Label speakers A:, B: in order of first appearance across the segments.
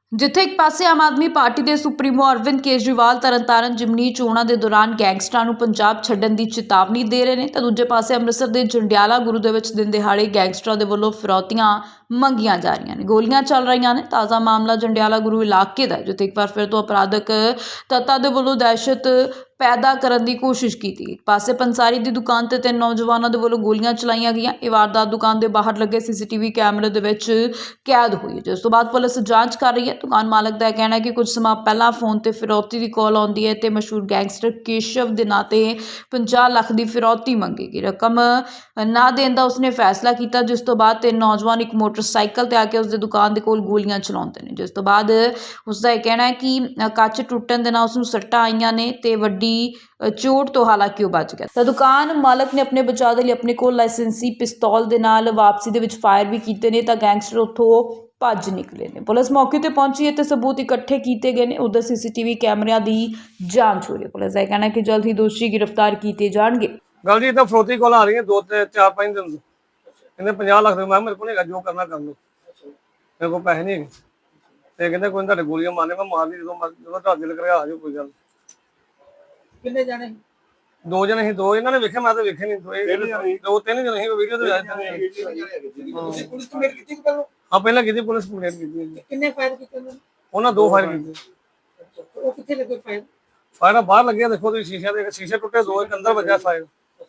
A: ਜਿੱਥੇ ਇੱਕ ਪਾਸੇ ਆਮ ਆਦਮੀ ਪਾਰਟੀ ਦੇ ਸੁਪਰੀਮੋ ਅਰਵਿੰਦ ਕੇਜਰੀਵਾਲ ਤਰਨਤਾਰਨ ਜਿਮਨੀ ਚੋਣਾਂ ਦੇ ਦੌਰਾਨ ਗੈਂਗਸਟਰਾਂ ਨੂੰ ਪੰਜਾਬ ਛੱਡਣ ਦੀ ਚੇਤਾਵਨੀ ਦੇ ਰਹੇ ਨੇ ਤਾਂ ਦੂਜੇ ਪਾਸੇ ਅੰਮ੍ਰਿਤਸਰ ਦੇ ਜੰਡਿਆਲਾ ਗੁਰੂ ਦੇ ਵਿੱਚ ਦਿਨ ਦਿਹਾੜੇ ਗੈਂਗਸਟਰਾਂ ਦੇ ਵੱਲੋਂ ਫਿਰੌਤੀਆਂ ਮੰਗੀਆਂ ਜਾ ਰਹੀਆਂ ਨੇ, ਗੋਲੀਆਂ ਚੱਲ ਰਹੀਆਂ ਨੇ। ਤਾਜ਼ਾ ਮਾਮਲਾ ਜੰਡਿਆਲਾ ਗੁਰੂ ਇਲਾਕੇ ਦਾ, ਜਿੱਥੇ ਇੱਕ ਵਾਰ ਫਿਰ ਤੋਂ ਅਪਰਾਧਕ ਤੱਤਾਂ ਦੇ ਵੱਲੋਂ ਦਹਿਸ਼ਤ ਪੈਦਾ ਕਰਨ ਦੀ ਕੋਸ਼ਿਸ਼ ਕੀਤੀ। ਇੱਕ ਪਾਸੇ ਪੰਸਾਰੀ ਦੀ ਦੁਕਾਨ ਤੇ 3 ਨੌਜਵਾਨਾਂ ਦੇ ਵੱਲੋਂ ਗੋਲੀਆਂ ਚਲਾਈਆਂ ਗਈਆਂ। ਇਹ ਵਾਰਦਾਤ ਦੁਕਾਨ ਦੇ ਬਾਹਰ ਲੱਗੇ ਸੀਸੀਟੀਵੀ ਕੈਮਰੇ ਦੇ ਵਿੱਚ ਕੈਦ ਹੋਈ, ਜਿਸ ਤੋਂ ਬਾਅਦ ਪੁਲਿਸ ਜਾਂਚ ਕਰ ਰਹੀ ਹੈ। ਦੁਕਾਨ ਮਾਲਕ ਦਾ ਕਹਿਣਾ ਹੈ ਕਿ ਕੁਝ ਸਮਾਂ ਪਹਿਲਾਂ ਫੋਨ ਤੇ ਫਿਰੌਤੀ ਦੀ ਕਾਲ ਆਉਂਦੀ ਹੈ ਤੇ ਮਸ਼ਹੂਰ ਗੈਂਗਸਟਰ ਕੇਸ਼ਵ ਦੇ ਨਾਂ ਤੇ 50 ਲੱਖ ਦੀ ਫਿਰੌਤੀ ਮੰਗੇਗੀ। ਰਕਮ ਨਾ ਦੇਣ ਦਾ ਉਸਨੇ ਫੈਸਲਾ ਕੀਤਾ, ਜਿਸ ਤੋਂ ਬਾਅਦ 3 ਨੌਜਵਾਨ ਇੱਕ ਮੋਟਰਸਾਈਕਲ ਤੇ ਆ ਕੇ ਉਸਦੀ ਦੁਕਾਨ ਦੇ ਕੋਲ ਗੋਲੀਆਂ ਚਲਾਉਂਦੇ ਨੇ, ਜਿਸ ਤੋਂ ਬਾਅਦ ਉਸਦਾ ਇਹ ਕਹਿਣਾ ਹੈ ਕਿ ਕੱਚ ਟੁੱਟਣ ਦੇ ਨਾਲ ਉਸਨੂੰ ਸੱਟਾਂ ਆਈਆਂ ਨੇ ਤੇ ਵੱਡੀ ਚੋਟ ਤੋਂ ਹਾਲਾਂਕਿ ਉਹ ਬਚ ਗਿਆ। ਤਾਂ ਦੁਕਾਨ ਮਾਲਕ ਨੇ ਆਪਣੇ ਬਚਾਅ ਦੇ ਲਈ ਆਪਣੇ ਕੋਲ ਲਾਇਸੈਂਸੀ ਪਿਸਤੌਲ ਦੇ ਨਾਲ ਵਾਪਸੀ ਦੇ ਵਿੱਚ ਫਾਇਰ ਵੀ ਕੀਤੇ ਨੇ ਤਾਂ ਗੈਂਗਸਟਰ ਉੱਥੋਂ ਭੱਜ ਨਿਕਲੇ ਨੇ। ਪੁਲਿਸ ਮੌਕੇ ਤੇ ਪਹੁੰਚੀ ਹੈ ਤੇ ਸਬੂਤ ਇਕੱਠੇ ਕੀਤੇ ਗਏ ਨੇ। ਉਧਰ ਸੀਸੀਟੀਵੀ ਕੈਮਰਿਆਂ ਦੀ ਜਾਂਚ ਹੋ ਰਹੀ ਹੈ। ਪੁਲਿਸ ਦਾ ਕਹਿਣਾ ਹੈ ਕਿ ਜਲਦ ਹੀ ਦੋਸ਼ੀ ਗ੍ਰਿਫਤਾਰ ਕੀਤੇ ਜਾਣਗੇ।
B: ਗੱਲ ਜੀ ਤਾਂ ਫਰੋਤੀ ਕੋਲ ਆ ਰਹੀ ਹੈ 2-4-5 ਦਿਨ ਤੋਂ। ਕਹਿੰਦੇ 50 ਲੱਖ ਦੇ, ਮੈਂ ਮੇਰੇ ਕੋਲ ਨਹੀਂ ਹੈਗਾ, ਜੋ ਕਰਨਾ ਕਰ ਲਓ, ਮੇਰੇ ਕੋਲ ਪੈਸੇ ਨਹੀਂ ਹੈਗੇ। ਤੇ ਕਹਿੰਦੇ ਕੋਈ ਤੁਹਾਡੇ ਗੋਲੀਆਂ ਮਾਰਨੇ, ਮੈਂ ਮਾਰ ਲਈ, ਜਦੋਂ ਤੁਹਾਡੇ ਦਿਲ ਕਰਿਆ ਆ ਜਾਓ, ਕੋਈ ਗੱਲ।
C: ਕਿੰਨੇ ਜਾਣੇ?
B: 2 ਜਣੇ ਸੀ। 2 ਇਹਨਾਂ ਨੇ ਵੇਖਿਆ, ਮੈਂ ਤਾਂ ਵੇਖੇ ਨਹੀਂ। 2-3 ਜਣੇ ਸੀ, ਵੀਡੀਓ ਤੇ ਆਏ।
C: ਤੁਸੀਂ ਪੁਲਿਸ ਕੰਪਲੇਂਟ ਕੀਤੀ ਪਹਿਲਾਂ?
B: ਹਾਂ, ਪਹਿਲਾਂ ਕੀਤੀ, ਪੁਲਿਸ ਕੰਪਲੇਂਟ ਕੀਤੀ।
C: ਕਿੰਨੇ ਫਾਇਰ ਕੀਤੇ
B: ਉਹਨਾਂ 2 ਫਾਇਰ ਕੀਤੇ।
C: ਉਹ ਕਿੱਥੇ ਲੱਗੇ ਫਾਇਰ?
B: ਫਾਇਰ ਬਾਹਰ ਲੱਗਿਆ, ਦੇਖੋ ਤੁਸੀਂ ਸ਼ੀਸ਼ਾ ਦੇ, ਸ਼ੀਸ਼ੇ ਟੁੱਟੇ, 2 ਇੱਕ ਅੰਦਰ ਵੱਜਿਆ ਫਾਇਰ।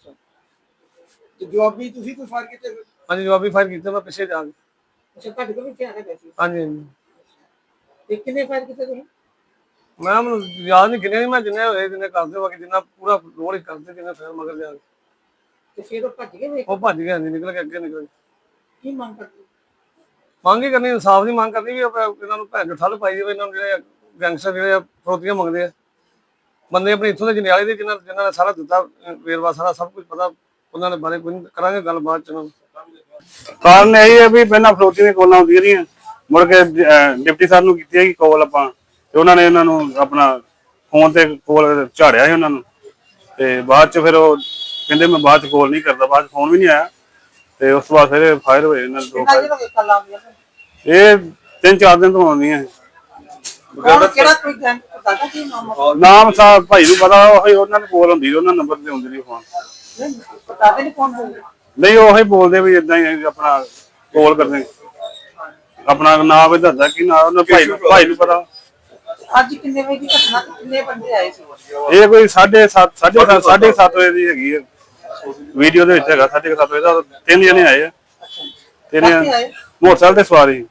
C: ਤੇ ਜਵਾਬੀ ਤੁਸੀਂ ਕੋਈ ਫਾਇਰ ਕੀਤੇ?
B: ਹਾਂਜੀ, ਜਵਾਬੀ ਫਾਇਰ ਕੀਤੇ, ਮੈਂ ਪਿੱਛੇ ਜਾ ਕੇ।
C: ਅੱਛਾ, ਤੁਹਾਡੇ ਕੋਲ ਵੀ ਧਿਆਨ ਹੈ ਵੈਸੇ?
B: ਹਾਂਜੀ ਹਾਂਜੀ।
C: ਤੇ ਕਿੰਨੇ ਫਾਇਰ ਕੀਤੇ ਤੁਸੀਂ?
B: ਮੈਂ ਮੈਨੂੰ ਯਾਦ ਨਹੀਂ, ਕਿੰਨੇ ਮੈਂ ਜਿੰਨੇ ਹੋਏ ਜਿੰਨੇ ਕਰਦੇ, ਬਾਕੀ ਜਿੰਨਾ ਪੂਰਾ ਰੋਲ ਹੀ ਕਰਦੇ, ਜਿੰਨੇ ਫਾਇਰ ਮਗਰ ਜਾ ਕੇ।
C: ਤੇ ਫਿਰ ਉਹ ਭੱਜ ਗਏ?
B: ਉਹ ਭੱਜ ਗਏ, ਹਾਂਜੀ, ਨਿਕਲ ਕੇ ਅੱਗੇ ਨਿਕਲ ਗਏ।
C: ਕੀ ਮੰਗ ਕਰਦੇ?
B: ਮੰਗ ਹੀ ਕਰਨੀ, ਇਨਸਾਫ ਦੀ ਮੰਗ ਕਰਨੀ ਵੀ ਇਹਨਾਂ ਨੂੰ ਭੈਣ ਚੋਂ ਠੱਲ ਪਾਈ ਜਾਵੇ। ਇਹਨਾਂ ਨੂੰ ਜਿਹੜੇ ਗੈਂਗਸਟਰ ਜਿਹੜੇ ਫਰੋਤੀਆਂ ਮੰਗਦੇ ਆ, ਬੰਦੇ ਆਪਣੇ ਇੱਥੋਂ ਦੇ ਜੰਡਿਆਲੇ ਦੇ, ਜਿਨ੍ਹਾਂ ਨੇ ਸਾਰਾ ਦਿੱਤਾ ਵੇਰਵਾ, ਸਾਰਾ ਸਭ ਕੁਝ ਪਤਾ, ਉਹਨਾਂ ਦੇ ਬਾਰੇ ਕੋਈ ਕਰਾਂਗੇ ਗੱਲ ਬਾਅਦ ਚ। ਉਹਨਾਂ ਨੂੰ
D: ਕਾਰਨ ਇਹ ਹੈ ਵੀ ਪਹਿਲਾਂ ਫਰੋਤੀ ਦੀਆਂ ਕਾਲਾਂ ਆਉਂਦੀਆਂ ਰਹੀਆਂ, ਮੁੜ ਕੇ ਡਿਪਟੀ ਸਾਹਿਬ ਨੂੰ ਕੀਤੀ ਹੈਗੀ ਕਾਲ ਆਪਾਂ, ਤੇ ਉਹਨਾਂ ਨੇ ਇਹਨਾਂ ਨੂੰ ਆਪਣਾ ਫੋਨ ਤੇ ਕਾਲ ਝਾੜਿਆ ਸੀ ਉਹਨਾਂ ਨੂੰ। ਤੇ ਬਾਅਦ ਚ ਫਿਰ ਉਹ ਕਹਿੰਦੇ ਮੈਂ ਬਾਅਦ ਚ ਕਾਲ ਨਹੀਂ ਕਰਦਾ, ਬਾਅਦ ਚ ਫੋਨ ਵੀ ਨਹੀਂ ਆਇਆ। ਤੇ ਉਸ ਤੋਂ ਬਾਅਦ ਫਿਰ ਫਾਇਰ ਹੋਏ ਇਹਨਾਂ ਦੇ 2 ਫਾਇਰ। ਇਹ 3-4 ਦਿਨ ਤੋਂ ਆਉਂਦੀਆਂ।
C: ਕਿਹੜਾ ਕੋਈ ਗੈਂਗ ਪਤਾ ਕੀ
D: ਨਾਮ ਸਾਹਿਬ ਭਾਈ ਨੂੰ ਪਤਾ, ਉਹੀ ਉਹਨਾਂ ਨੂੰ ਕਾਲ ਹੁੰਦੀ, ਉਹਨਾਂ ਨੰਬਰ ਤੇ ਹੁੰਦੀ ਨਹੀਂ ਫੋਨ।
C: ਪਤਾ ਨਹੀਂ ਕੌਣ ਬੋਲਦਾ?
D: ਨਹੀਂ, ਉਹੀ ਬੋਲਦੇ ਵੀ ਇਦਾਂ ਹੀ ਆਪਣਾ ਕਾਲ ਕਰਦੇ, ਆਪਣਾ ਨਾਮ ਵੀ ਦੱਸਦਾ ਕਿ ਨਾ, ਉਹਨਾਂ ਭਾਈ ਨੂੰ ਪਤਾ।
C: ਅੱਜ ਕਿੰਨੇ ਵਜੇ ਦੀ ਘਟਨਾ, ਕਿੰਨੇ ਬੰਦੇ ਆਏ ਸੀ?
D: ਇਹ ਕੋਈ 7:30 ਵਜੇ ਦੀ ਹੈਗੀ ਹੈ, ਵੀਡੀਓ ਦੇ ਵਿੱਚ ਹੈਗਾ 7:30 ਵਜੇ ਦਾ। 3 ਜਣੇ ਆਏ ਆ, 3 ਮੋਟਰਸਾਈਕਲ ਤੇ ਸਵਾਰੀ।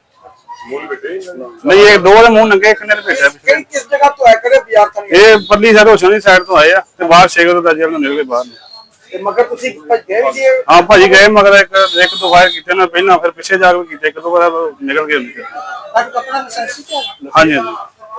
D: ਨਹੀਂ, ਇਹ 2 ਦੇ ਮੂੰਹ ਨੰਗੇ, ਇੱਕ ਨੇ ਭੇਜਿਆ।
C: ਕਿਸ ਜਗ੍ਹਾ ਤੋਂ ਆਏ, ਕਿਹੜੇ ਬਾਜ਼ਾਰ ਤੋਂ?
D: ਇਹ ਪਰਲੀ ਸਾਈਡ, ਹੋਸ਼ਣ ਦੀ ਸਾਈਡ ਤੋਂ ਆਏ ਆ ਤੇ ਬਾਹਰ 6 ਵਜੇ ਦਾ ਜੇਲ੍ਹ ਨਿਕਲ ਕੇ ਬਾਹਰ।
C: ਤੇ ਮਗਰ ਤੁਸੀਂ ਭੱਜ ਗਏ ਵੀ?
D: ਹਾਂ, ਭਾਜੀ ਗਏ ਮਗਰ, ਇੱਕ 2 ਫਾਇਰ ਕੀਤੇ ਨਾ ਪਹਿਲਾਂ, ਫਿਰ ਪਿੱਛੇ ਜਾ ਕੇ ਕੀਤੇ, 1-2 ਵਾਰ ਨਿਕਲ ਗਏ।
C: ਤੁਹਾਡਾ ਆਪਣਾ ਲਾਇਸੈਂਸ ਹੈ?
D: ਹਾਂਜੀ ਹਾਂਜੀ।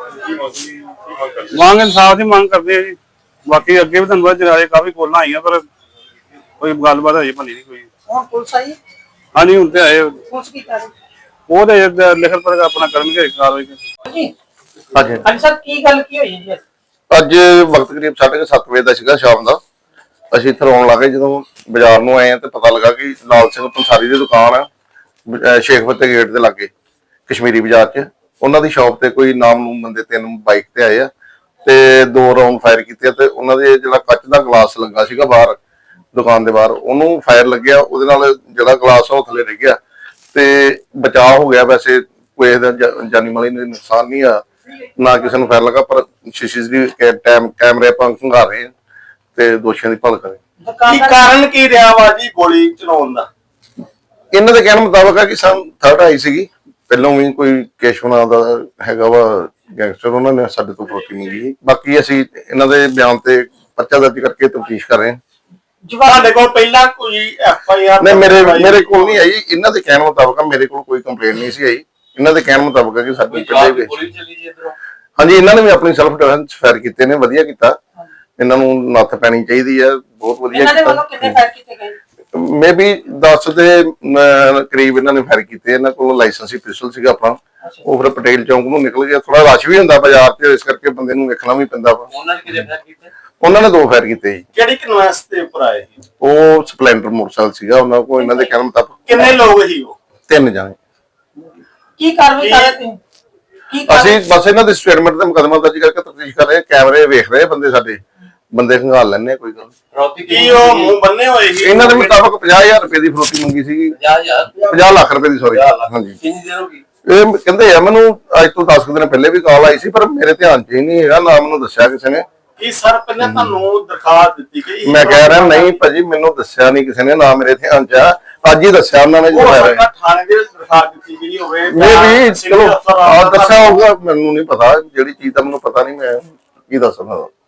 D: ਮੰਗ ਇਨਸਾਫ ਦੀ ਮੰਗ ਕਰਦੇ ਆ ਜੀ। ਬਾਕੀ ਅੱਗੇ ਵੀ ਤੁਹਾਨੂੰ ਪਤਾ ਜਰਾਏ ਕਾਫੀ ਕੋਲਾਂ ਆਈਆਂ, ਪਰ ਕੋਈ ਗੱਲਬਾਤ ਹਜੇ ਬਣੀ ਨਹੀਂ ਕੋਈ।
C: ਹੁਣ ਪੁਲਿਸ ਆਈ?
D: ਹਾਂਜੀ, ਹੁਣ ਤੇ ਆਏ।
C: ਪੁਲਿਸ ਕੀ ਕਰ ਰਹੀ?
D: ਉਹ ਤੇ ਲਿਖਤ ਪਰ ਆਪਣਾ ਕਰਨਗੇ ਕਾਰਵਾਈ।
C: ਜੀ
E: ਹਾਂਜੀ
C: ਹਾਂਜੀ ਸਰ, ਕੀ ਗੱਲ ਕੀ ਹੋਈ ਜੀ?
E: ਅੱਜ ਵਕਤ ਕਰੀਬ 7:30 ਵਜੇ ਦਾ ਸੀਗਾ ਸ਼ਾਮ ਦਾ। ਅਸੀਂ ਇੱਥੇ ਆਉਣ ਲੱਗੇ, ਜਦੋਂ ਬਾਜ਼ਾਰ ਨੂੰ ਆਏ ਆ ਤੇ ਪਤਾ ਲੱਗਾ ਕਿ ਲਾਲ ਸਿੰਘ ਪੰਸਾਰੀ ਦੀ ਦੁਕਾਨ ਆ ਸ਼ੇਖ ਫਤਿਹ ਗੇਟ ਦੇ ਲਾਗੇ ਕਸ਼ਮੀਰੀ ਬਾਜ਼ਾਰ 'ਚ। ਉਹਨਾਂ ਦੀ ਸ਼ਾਪ ਤੇ ਕੋਈ ਨਾਮ ਨੂੰ ਬੰਦੇ 3 ਬਾਈਕ ਤੇ ਆਏ ਆ ਤੇ 2 ਰਾਉਂਡ ਫਾਇਰ ਕੀਤੇ ਤੇ ਉਹਨਾਂ ਦੇ ਜਿਹੜਾ ਕੱਚ ਦਾ ਗਲਾਸ ਲੱਗਾ ਸੀਗਾ ਬਾਹਰ ਦੁਕਾਨ ਦੇ ਬਾਹਰ, ਉਹਨੂੰ ਫਾਇਰ ਲੱਗਿਆ। ਉਹਦੇ ਨਾਲ ਜਿਹੜਾ ਗਲਾਸ ਆ ਉਹ ਥੱਲੇ ਡਿੱਗ ਗਿਆ ਤੇ ਬਚਾਅ ਹੋ ਗਿਆ। ਵੈਸੇ ਕੋਈ ਇਹਦਾ ਜਾਨੀ ਮਾਲੀ ਨੁਕਸਾਨ ਨਹੀਂ ਆ, ਨਾ ਕਿਸੇ ਨੂੰ ਫਾਇਰ ਲੱਗਾ, ਪਰ ਸੀਸੀਟੀਵੀ ਕੈਮਰੇ ਆਪਾਂ ਖੰਗਾਰ ਰਹੇ ਹਾਂ ਤੇ ਦੋਸ਼ੀਆਂ ਦੀ ਭਾਲ ਕਰ ਰਹੇ।
F: ਕੀ ਕਾਰਨ ਕੀ ਰਿਹਾ ਵਾ ਜੀ ਗੋਲੀ ਚਲਾਉਣ ਦਾ?
E: ਇਹਨਾਂ ਦੇ ਕਹਿਣ ਮੁਤਾਬਕ ਆ ਕਿ ਸਾਨੂੰ ਥਰਡ ਆਈ ਸੀਗੀ, ਪਹਿਲਾਂ ਵੀ ਕੋਈ ਕੇਸ਼ਵ ਨਾਂ ਦਾ ਹੈਗਾ ਵਾ ਗੈਂਗਸਟਰ, ਉਹਨਾਂ ਨੇ ਸਾਡੇ ਤੋਂ ਫਰੋਤੀ ਮੰਗੀ। ਬਾਕੀ ਅਸੀਂ ਇਹਨਾਂ ਦੇ ਬਿਆਨ ਤੇ ਪਰਚਾ ਦਰਜ ਕਰਕੇ ਤਫਤੀਸ਼ ਕਰ ਰਹੇ ਹਾਂ।
F: ਤੁਹਾਡੇ ਕੋਲ ਪਹਿਲਾਂ ਕੋਈ FIR?
E: ਨਹੀਂ, ਮੇਰੇ ਕੋਲ ਨਹੀਂ ਆਈ। ਇਹਨਾਂ ਦੇ ਕਹਿਣ ਮੁਤਾਬਕ ਮੇਰੇ ਕੋਲ ਕੋਈ ਕੰਪਲੇਂਟ ਨਹੀਂ ਸੀ ਆਈ। ਇਹਨਾਂ ਦੇ ਕਹਿਣ ਮੁਤਾਬਕ ਹੈ ਕਿ ਸਾਡੀ ਪਹਿਲੇ ਹਾਂਜੀ, ਇਹਨਾਂ ਨੇ ਵੀ ਆਪਣੀ ਸੈਲਫ ਡਿਫੈਂਸ ਫਾਇਰ ਕੀਤੇ ਨੇ, ਵਧੀਆ ਕੀਤਾ। ਇਹਨਾਂ ਨੂੰ ਨੱਥ ਪੈਣੀ ਚਾਹੀਦੀ ਹੈ, ਬਹੁਤ ਵਧੀਆ
C: ਇਹਨਾਂ ਦੇ ਵੱਲੋਂ ਕਿੰਨੇ ਫਾਇਰ ਕੀਤੇ ਗਏ?
E: ਮੇਬੀ 10 ਦੇ ਕਰੀਬ ਇਹਨਾਂ ਨੇ ਫਾਇਰ ਕੀਤੇ। ਇਹਨਾਂ ਕੋਲ ਲਾਇਸੈਂਸੀ ਪਿਸਟਲ ਸੀਗਾ ਆਪਣਾ, ਉਹ ਫਿਰ ਪਟੇਲ ਚੌਂਕ ਨੂੰ ਨਿਕਲ ਗਿਆ। ਥੋੜਾ ਰਸ਼ ਵੀ ਹੁੰਦਾ ਬਾਜ਼ਾਰ 'ਚ, ਇਸ ਕਰਕੇ ਬੰਦੇ ਨੂੰ ਵੇਖਣਾ ਵੀ ਪੈਂਦਾ ਵਾ।
F: ਉਹਨਾਂ ਨੇ ਕਿਹਦੇ ਫਾਇਰ ਕੀਤੇ?
E: ਉਹਨਾਂ ਨੇ 2 ਫਾਇਰ ਕੀਤੇ ਜੀ।
F: ਕਿਹੜੀ ਕਨਵੈਂਸ ਦੇ ਉੱਪਰ ਆਏ ਸੀ?
E: ਉਹ ਸਪਲੈਂਡਰ ਮੋਟਰਸਾਈਕਲ ਸੀਗਾ ਉਹਨਾਂ ਕੋਲ। ਇਹਨਾਂ ਦੇ ਕਹਿਣ ਮੁਤਾਬਕ
F: ਕਿੰਨੇ ਲੋਕ ਸੀ ਉਹ?
E: 3 ਜਾਣੇ।
C: ਕੀ ਕਾਰਵਾਈ ਕਰ ਰਹੇ ਤੁਸੀਂ?
E: ਅਸੀਂ ਬਸ ਇਹਨਾਂ ਦੇ ਸਟੇਟਮੈਂਟ ਤੇ ਮੁਕੱਦਮਾ ਦਰਜ ਕਰਕੇ ਤਫਤੀਸ਼ ਕਰ ਰਹੇ ਹਾਂ। ਕੈਮਰੇ ਵੇਖ ਰਹੇ ਬੰਦੇ, ਸਾਡੇ ਬੰਦੇ ਖੰਗਾਲ ਲੈਣੇ, ਕੋਈ ਗੱਲ ਨਹੀਂ।
F: ਕੀ ਉਹ ਮੂੰਹ ਬੰਨੇ ਹੋਏ ਸੀ?
E: ਇਹਨਾਂ ਦੇ ਮੁਤਾਬਕ 50,000 ਰੁਪਏ ਦੀ ਫਰੋਤੀ ਮੰਗੀ ਸੀਗੀ। 50 ਲੱਖ ਰੁਪਏ ਦੀ, ਸੌਰੀ। ਹਾਂਜੀ,
F: ਕਿੰਨੀ ਦੇਰ ਹੋ ਗਈ?
E: ਇਹ ਕਹਿੰਦੇ ਆ ਮੈਨੂੰ ਅੱਜ ਤੋਂ 10 ਦਿਨ ਪਹਿਲੇ ਵੀ ਕਾਲ ਆਈ ਸੀ, ਪਰ ਮੇਰੇ ਧਿਆਨ 'ਚ ਹੀ ਨਹੀਂ ਹੈਗਾ, ਨਾ ਮੈਨੂੰ ਦੱਸਿਆ ਕਿਸੇ ਨੇ।
F: ਕੀ ਸਰ ਪਹਿਲਾਂ ਤੁਹਾਨੂੰ ਦਰਖਾਸਤ ਦਿੱਤੀ ਗਈ?
E: ਮੈਂ ਕਹਿ ਰਿਹਾ ਨਹੀਂ ਭਾਜੀ, ਮੈਨੂੰ ਦੱਸਿਆ ਨਹੀਂ ਕਿਸੇ ਨੇ, ਨਾ ਮੇਰੇ ਧਿਆਨ 'ਚ ਆ, ਅੱਜ ਹੀ ਦੱਸਿਆ ਉਹਨਾਂ ਨੇ।
F: ਹੋ ਸਕਦਾ ਥਾਣੇ ਦੇ ਦਰਖਾਸਤ ਦਿੱਤੀ ਗਈ ਹੋਵੇ।
E: ਇਹ ਵੀ ਚਲੋ ਦੱਸਿਆ ਹੋਊਗਾ, ਮੈਨੂੰ ਨਹੀਂ ਪਤਾ। ਜਿਹੜੀ ਚੀਜ਼ ਦਾ ਮੈਨੂੰ ਪਤਾ ਨਹੀਂ, ਮੈਂ ਕੀ ਦੱਸ ਸਕਦਾ।